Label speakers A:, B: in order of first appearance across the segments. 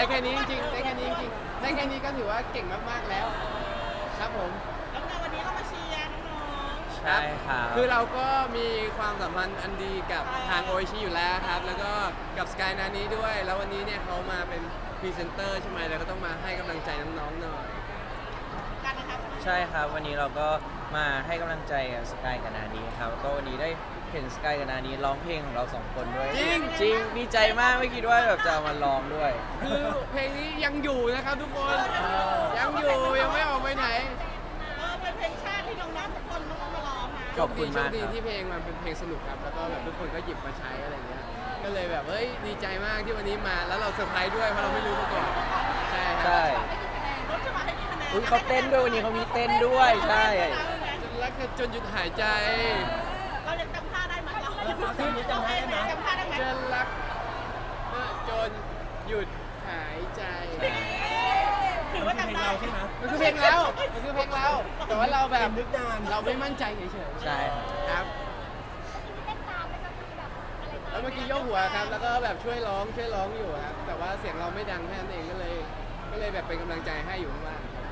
A: แค่นี้จริงๆได้แค่นี้จริงๆได้แค่นี้ก็ถือว่าเก่งมากๆแล้วครับผม
B: แล้วในวันนี้เรามาเชียร์น้อง
C: ใช่ครับ
A: คือเราก็มีความสัมพันธ์อันดีกับทางโอชิอยู่แล้วครับแล้วก็กับสกายนานี้ด้วยแล้ววันนี้เนี่ยเขามาเป็นพรีเซนเตอร์ใช่ไหมเราก็ต้องมาให้กำลังใจน้องๆหน่อย
B: ๆกันนะครับ
C: ใช่ครับวันนี้เราก็มาให้กำลังใจกับสกายกับนานี้ครับก็วันนี้ได้เห็นสกายกับนานี้ร้องเพลงของเราสองคนด้วย
A: จริง
C: จริงดีใจมากไม่คิดว่าแบบจะเอามาร้องด้วย
A: คือเพลงนี้ยังอยู่นะครับทุกคนยังอยู่ยังไม่ออกไปไหน
B: เป็นเพลงชาติที่น้องๆทุกคนต้องมาร้องนะ
C: ขอบคุณมาก
A: โชดี
C: ครับ
A: ที่เพลงมันเป็นเพลงสนุกครับแล้วก็แบบทุกคนก็หยิบมาใช้อะไรเงี้ยก็เลยแบบเฮ้ยดีใจมากที่วันนี้มาแล้วเราเซอร์ไพรส์ด้วยเพราะเราไม่รู้มาก่อนใช่ครับ
C: ใช่
B: รถจะมาให้กี่คะแนน
C: อุ๊ยเขาเต้นด้วยวันนี้เขามีเต้นด้วยใช่
A: จนรักจนหยุดหายใจ
B: เรายังจำท่าได้ไหมเราจำท่าได้ไหมจำท่าได้ไหม
A: จนรักจนหยุดหายใจ
B: ถือว่าจำได้ใช่ไหม
A: มันคือเพลงเรามันคือเพลงเรา แต่ว่าเราแบบเราไม่มั่นใจเฉยๆ
C: ใช่ครับ
A: ครับแล้วเมื่อกี้ยกหัวครับ แล้วก็แบบช่วยร้องอยู่ครับ แต่ว่าเสียงเราไม่ดังแค่นั้นเองก็เลยแบบเป็นกำลังใจให้อยู่ข้างล่างครับ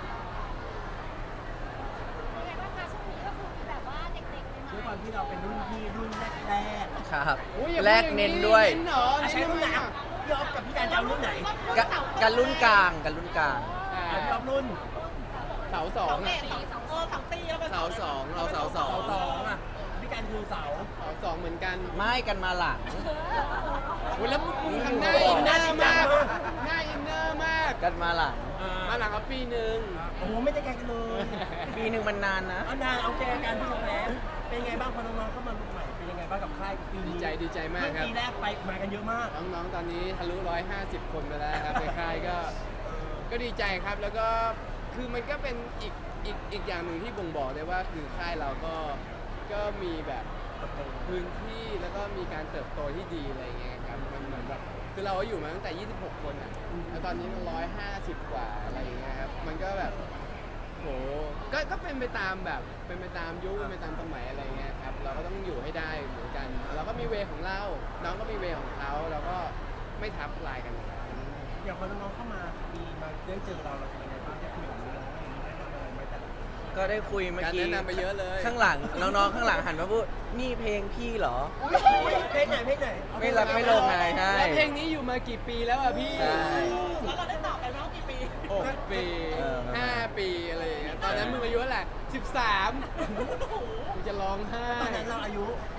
D: ด้วยความที่เราเป็นรุ่นพี่รุ่นแรก
C: ครับ
A: อุ๊ยอย่า
C: แล
A: พูด
C: ก
A: อย่าง
C: เน้นด้วย
A: เน้นเหรอ
D: ๆใช้รุ่นไหน
A: เน้นทำไมอะ
D: พี่ออฟกับพี่การจะเอารุ่นไหน
C: กันรุ่นกลางกันรุ่นกลาง
D: พี่ออฟรุ่น
A: เสาสอ
B: สอง ง
A: อะ
B: เตะสองตีแล้วเป็น
A: เสาสองเราเสาสอง
D: เสาสองอ่ะพี่การคือเสา
A: เสาสองเหมือนกัน
C: ไม่กันมาหลัง
A: โอ้ยแล้วมึงทำหน้าอินเนอร์มากหน้าอินเนอร์มาก
C: กันมาหลัง
A: มาหลังเอาปีหนึ่ง
D: โอ้โหไม่ได้แกล้งกันเลย
C: ปีหนึ่งมันนานนะ
D: เอานานเอาแกการพี่ชมแพ้เป็นยังไงบ้างพอน้องๆเข้ามาลุกใหม่เป็นยังไงบ้างกับค่ายปี
A: ดี
D: นี้
A: ใจดีใจมากครับ
D: ปีแรกไปมากันเยอะมาก
A: น้องๆ ตอนนี้ทะลุ 150 คนไปแล้วครับในค่ายก็ดีใจครับ แล้วก็คือมันก็เป็นอีกอย่างหนึ่งที่บ่งบอกได้ว่าคือค่ายเราก็มีแบบพื้นที่แล้วก็มีการเติบโตที่ดีอะไรเงี้ยครับมันเหมือนแบบคือเราอยู่มาตั้งแต่ 26 คนอ่ะแล้วตอนนี้มัน 150 กว่าอะไรเงี้ยครับมันก็แบบโหก็เป็นไปตามแบบเป็นไปตามยุคเป็นไปตามสมัยอะไรเงี้ยครับเราก็ต้องอยู่ให้ได้เหมือนกันเราก็มีเวของเราน้องก็มีเวของเขาเราก็ไม่ทับลายกัน
D: อย่างพอน้องๆเข้ามามีมาได้เจอเราเป็นยังไงบ้างได้คุยกับน้องๆอย่างนี้ได้ทำอะไรไหมแต่ละ
C: ก็ได้คุยเมื่อ
A: การ
C: กี้
A: แนะนำไปเยอะเลย
C: ข้างหลังน้องๆข้างหลังหันมาพูดนี่เพลงพี่เหรอ
D: เพลงไหนเพลงไหน
C: ไม่รับไม่ลงไงใช่
A: แล้วเพลงนี้อยู่มากี่ปีแล้วอ่ะพี่
C: ใช่
B: แล้วเราได้ตอบไปว่ากี่ปี
A: 6 ปี
C: เออ
A: 5 ปีอะไรอย่างเงี้ยตอนนั้นมึงอายุเท่าไหร่13มึงจะร้องไห้
D: ตอนนั้นเราอายุ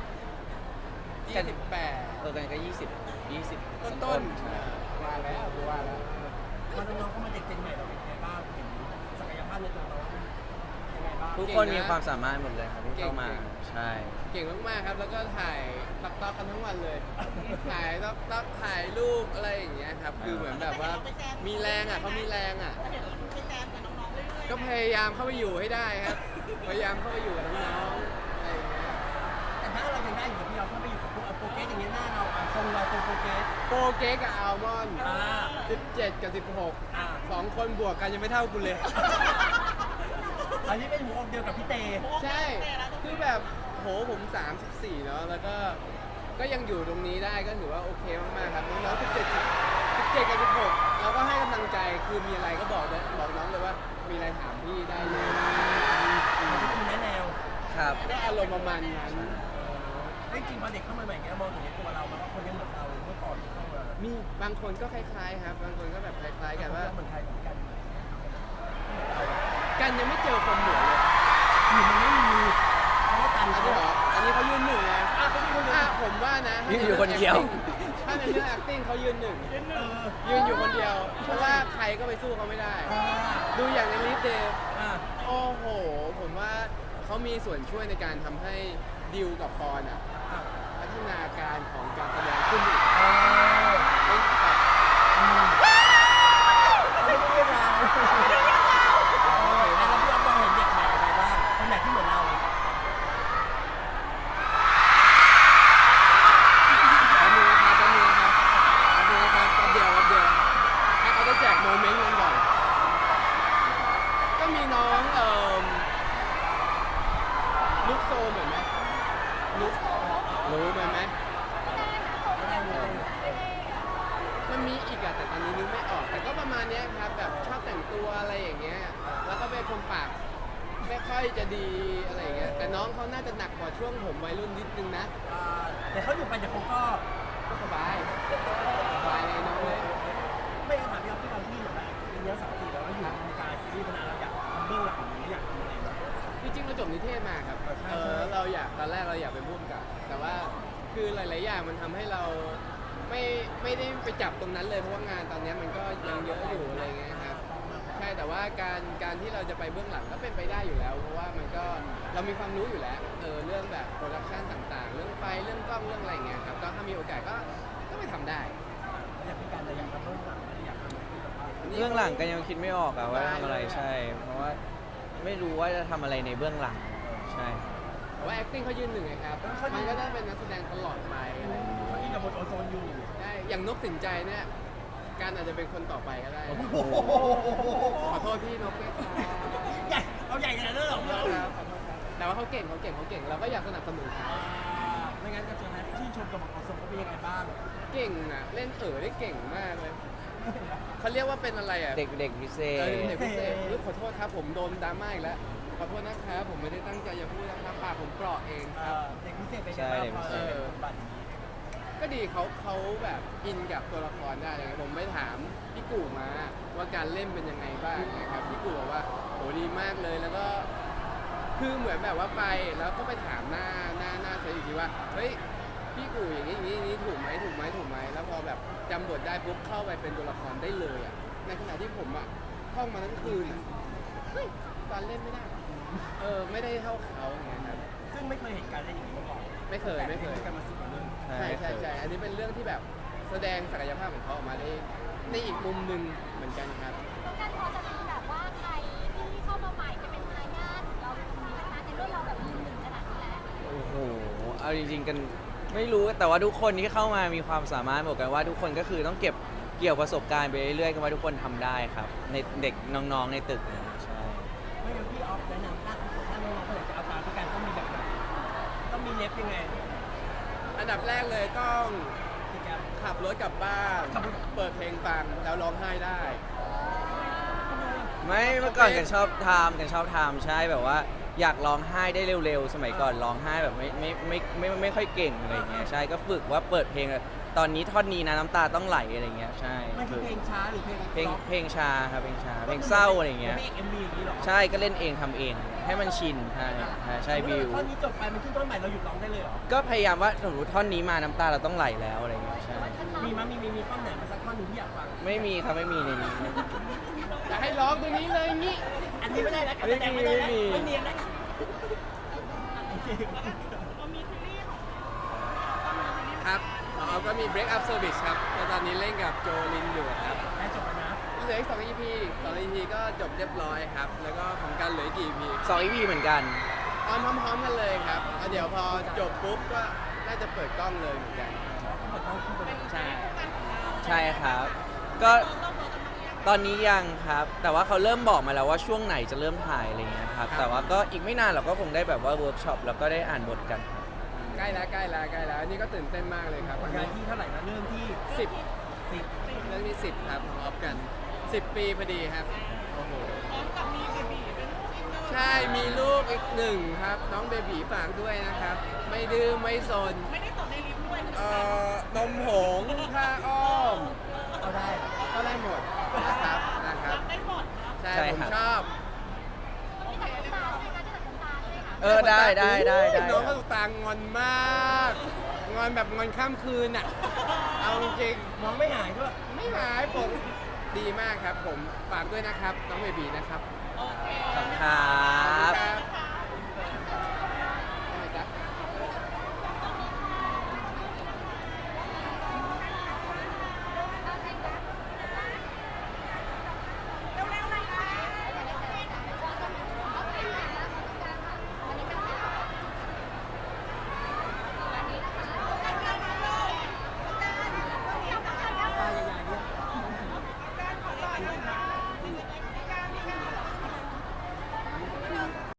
A: 28
C: กันก็20
A: ต้น
C: ใช่
A: ๆว่าแล้วว่าแล้ว
D: พอน้องๆเข้ามาเด็กเจนใหม่เราเป็นยังไงบ้างเห็นศักยภาพในตัวน้องยังไงบ้าง
C: ทุกคนมีความสามารถหมดเลยครับที่เข้ามาใช่
A: เก่งมากๆครับ แล้วก็ถ่ายตักตอกกันทั้งวันเลย ถ่ายตักถ่ายรูปอะไรอย่างเงี้ยครับ คือเหมือนแบบว่ามีแรงอ่ะเขามีแรงอ่ะ
B: จะเห็นเราไปแจมกับน้องๆเรื่อยๆ
A: ก็พยายามเข้าไปอยู่ให้ได้ครับ พยายามเข้าไปอยู่กับน้องๆอะไรอย่างเงี้ย
D: แต่ถ้าเรายังได้อยู่กับพี่เราถ้าไปอยู่กับพวกโปรเกสอย่างเงี้ยหน้าเราทรงเราเป็นโปรเกส
A: โปรเกกกับอัลมอนด์
D: อ่า
A: 17 กับ
D: อ่า
A: 16 2 คนบวกกันยังไม่เท่ากูเลย
D: อันนี้เป็นหัวอกเดียวกับพี่เต
A: ใช่ คือแบบโหผม 34 เนาะ แล้วก็ยังอยู่ตรงนี้ได้ก็ถือว่าโอเคมากๆครับ น้องๆ17 กับ 16 เราก็ให้กำลังใจ คือมีอะไรก็บอกน้องเลยว่ามีอะไรถามพี่ได้เลย
D: เขาเป็นคนแนะแนว
C: ครับ
A: ก็อารมณ์ประมาณนั้น
D: จริงๆพอเด็กเข้ามาใหม่เงี้ยมองถึงในตัวเรามันก็คนยังเหมือนเราเมื่อก่อนที่เข้ามา
A: มีบางคนก็คล้ายๆครับ บางคนก็แบบคล้ายๆกันว่า
D: เหมือนใครเหมือนกัน
A: กันยังไม่เจอคนเหมือนเลย
D: หรือมันไม่มีเพราะว่าตัน
A: อัน
D: เขา
A: นี้เหรออันนี้เขายืนหนึ่งไง
D: เขาไม่รู้เลย
A: ผมว่านะ
C: ยืนอยู่คนเดียว
A: ถ้าในเรื่อง acting เขายืนหนึ่ง
D: เออ
A: ยืนอยู่คนเดียว เพราะว่าใครก็ไปสู้เขาไม่ได้ ดูอย่างในลิฟเดย์
D: อ่า
A: โอ้โห ผมว่าเขามีส่วนช่วยในการทำให้ดิวกับปอนอ่ะ
D: อ่า
A: พัฒนาการของการแสดงขึ้นอีก
D: เออ
A: เป็นแบบ
D: ไม่ได้เราแล้วพี่อ๊อฟมองเห็นเด็กใหม่อะไรบ้างคนไหนที่เหมือนเรา
A: แป๊บนึงนะครับแป๊บนึงนะครับแป๊บนึงนะครับแป๊บเดียวให้เขาได้แจกโมเมนต์กันก่อนก็มีน้องลุกโซเหมือนไหมลุกรู้เหมือนไหมมันมีอีกอะแต่ตอนนี้นึกไม่ออกแต่ก็ประมาณเนี้ยครับแบบชอบแต่งตัวอะไรอย่างเงี้ยแล้วก็เป็นคนปากไม่ค่อยจะดีอะไรอย่างเงี้ยแต่น้องเขาน่าจะหนักกว่าช่วงผมวัยรุ่นนิดนึงนะ
D: แต่เขาอยู่ไปแต่เขาก็
A: ก็สบายเลยน้องเลย
D: ไม่ถามพี่อ๊อฟที่เราที่แบบเป็นเยอะ3 ปีแล้วอยู่ในวงการซีรีส์มานานเราอยากทำเบื้องหลังหรืออยากทำอะไรบ้าง
A: จริงๆเราจบนิเทศมาครับ
D: ใช่
A: เราอยากตอนแรกเราอยากเป็นผู้กำกับแต่ว่าคือหลายๆอย่างมันทำให้เราไม่ได้ไปจับตรงนั้นเลยเพราะว่างานตอนนี้มันก็ยังเยอะอยู่อะไรเงี้ยครับใช่แต่ว่าการที่เราจะไปเบื้องหลังก็เป็นไปได้อยู่แล้ว เพราะว่ามันก็เรามีความรู้อยู่แล้วเรื่องแบบโปรดักชันต่างๆ เรื่องไฟเรื่องกล้องเรื่องอะไรเงี้ยครับก็ถ้ามีโอกาสก็ไปทำได้
D: อยากเป็นการแต่อยากทำเบื้องหลังไม่ได้อยากทำอะไรที่แบบว่า
C: เบื้องหลังก็ยังคิดไม่ออกอะว่าจะทำอะไรใช่ เพราะว่าไม่รู้ว่าจะทำอะไรในเบื้องหลังใช่
A: แต่ว่า acting เขายืนหนึ่งไงครับมันก็ได้เป็นนักแสดงตลอดไปอะไรอย่างเงี้ย
D: เขาอินกับบทโอโซนอยู่
A: ได้อย่างนกสินใจเนี่ยการอาจจะเป็นคนต่อไปก็ได้
D: โอ้โห
A: ขอโทษพี่นกด้วยครับ
D: ใหญ่เอาใหญ่ขนาดนั้นเหรอเรา
A: แต่ว่าเขาเก่งเราก็อยากสนับสนุนเขา
D: ไม่งั้นจะชวนให้ชื่นชมกับบทโอโซนเขาเป็นยังไงบ้าง
A: เก่งอ่ะเล่นได้เก่งมากเลยเขาเรียกว่าเป็นอะไรอ่ะ
C: เด็กพิเศษ
A: เด็กพิเศษขอโทษครับผมโดนดราม่าอีกแล้วขอโทษนะครับผมไม่ได้ตั้งใจจะพูดนะครับปากผมเปราะเองครับ
D: เด็กพิเศษเป็นยังไงบ้างพอเป็นบัตรนี้
A: ก็ดีเขาแบบอินกับตัวละครได้อะไรเงี้ยผมไปถามพี่กู่มาว่าการเล่นเป็นยังไงบ้างนะครับพี่กู่บอกว่าโหดีมากเลยแล้วก็คือเหมือนแบบว่าไปแล้วก็ไปถามหน้าเธออีกทีว่าเฮ้ยพี่กู่อย่างนี้ถูกไหมแล้วพอแบบจำบทได้ปุ๊บเข้าไปเป็นตัวละครได้เลยอ่ะในขณะที่ผมอ่ะท่องมาทั้งคืนอ่ะเฮ้ยตอนเล่นไม่ได้ไม่ได้เท่าเขาอย่างเงี้ยครับ
D: ซึ่งไม่เคยเห็นการเล่นอย่างนี้มาก่อน
A: ไม่เคย
D: กันมา10 กว่าเรื่อง
A: ใช่อันนี้เป็นเรื่องที่แบบแสดงศักยภาพของเขาออกมาได้ในอีกมุมหนึ่งเหมือนกันครับ
B: แล้วกันพอจะมีแบบว่าใครที่เข้ามาใหม่จะเป็นทายาทเราตรงนี้นะคะในเรื่องเราแบบยืนหนึ่งขนาดนี้แล้ว
C: โอ้โห เอาจริงๆกันไม่รู้แต่ว่าทุกคนที่เข้ามามีความสามารถบอกกันว่าทุกคนก็คือต้องเก็บเกี่ยวประสบการณ์ไปเรื่อยๆกันว่าทุกคนทำได้ครับ ในเด็กน้องๆในตึกเนี่ยใช่
D: ไม่งั้นพี่ออฟแนะนำถ้าน้องๆคนไหนจะเอาตามพี่การต้องมีแบบไหนต้องมีเล็บยังไง
A: อันดับแรกเลยต้อง
D: พี่การ
A: ขับรถกลับบ้านเปิดเพลงฟังแล้วร้องไห้ได้
C: ไม่เมื่อก่อนกันชอบทำใช่แบบว่าอยากร้องไห้ได้เร็วๆ สมัยก่อนร้องไห้แบบไม่ค่อยเก่งอะไรเงี้ยใช่ก็ฝึกว่าเปิดเพลงตอนนี้ท่อนนี้นะน้ำตาต้องไหลอะไรเงี้ยใช่
D: ไม่คือเพลงช้าหรือเพลง
C: เพลงชาครับเพลงชาเพลงเศร้าอะไรเงี้ย
D: ไม่เอ็มวีอย่างนี้หรอ
C: ใช่ก็เล่นเองทำเองให้มันชินใช่บิว
D: ท่อนนี้จบไปมันขึ้นต้นใหม่เราหยุดร้องได้เลยเหรอ
C: ก็พยายามว่าสมมติท่อนนี้มาน้ำตาเราต้องไหลแล้วอะไรเงี้ยใช่
D: มีท่อนไหนมาสักท่อนหนึ่งที่อยากฟัง
C: ไม่มีครับไม่มีในนี้
A: จะให้ร้องตรงนี้เลยงี้
D: อันนี้ไม่ได้แล้วการแสดงไม่ได้แล้วไม่เนียนแล้วโอเค
A: ครับเราก็มี Break Up Service ครับแล้วตอนนี้เล่นกับโจลินอยู่ครับ
D: ได้จบแล้วนะ
A: เหลืออีก2 EP ก็จบเรียบร้อยครับแล้วก็ของกันเหลืออีกกี่ EP
C: 2 EP เหมือนกัน
A: ออนพร้อมๆกันเลยครับแล้วเดี๋ยวพอจบปุ๊บก็น่าจะเปิดกล้องเลยเหมือนกัน
D: เปิดกล้องคู่กัน
A: ใช่
C: ใช่ครับ ก็ตอนนี้ยังครับ แต่ว่าเขาเริ่มบอกมาแล้วว่าช่วงไหนจะเริ่มถ่ายอะไรเงี้ยครับ แต่ว่าก็อีกไม่นานเราก็คงได้แบบว่าเวิร์กช็อปแล้วก็ได้อ่านบทกันครับ
A: ใกล้แล้วอันนี้ก็ตื่นเต้นมากเลยครับ
D: งานที่เท่าไหร่นะเรื่องที่
A: 10 เรื่องที่10ครับออฟกัน 10 ปีพอดีครับโอ้โหใช่มีลูกอีก1ครับน้องเบบีฝากด้วยนะครับ ไม่ดื้อไม่ซน
B: ไม่ได้ตกในลิฟต์ด้วย
A: นมผงผ้าอ้อม
D: เอาได้
A: ก็ได้หมดนะครับ
B: ได้หมดเนาะ
A: ใช่
C: ใช่
A: ผม
C: ครับ
A: ชอบ
B: มีแต่น้ำตาด้วยนะที่แต่น้ำตาด้วยค่ะ
C: ได้
A: น้องก็ตางอนมาก งอนแบบงอนข้ามคืนอ่ะ เอาจริง
D: มองไม่หายด้วย
A: ๆไม่หายผมดีมากครับผมฝากด้วยนะครับ น้องเบบีนะครับ
B: โอเค
C: ครับ
A: ครับ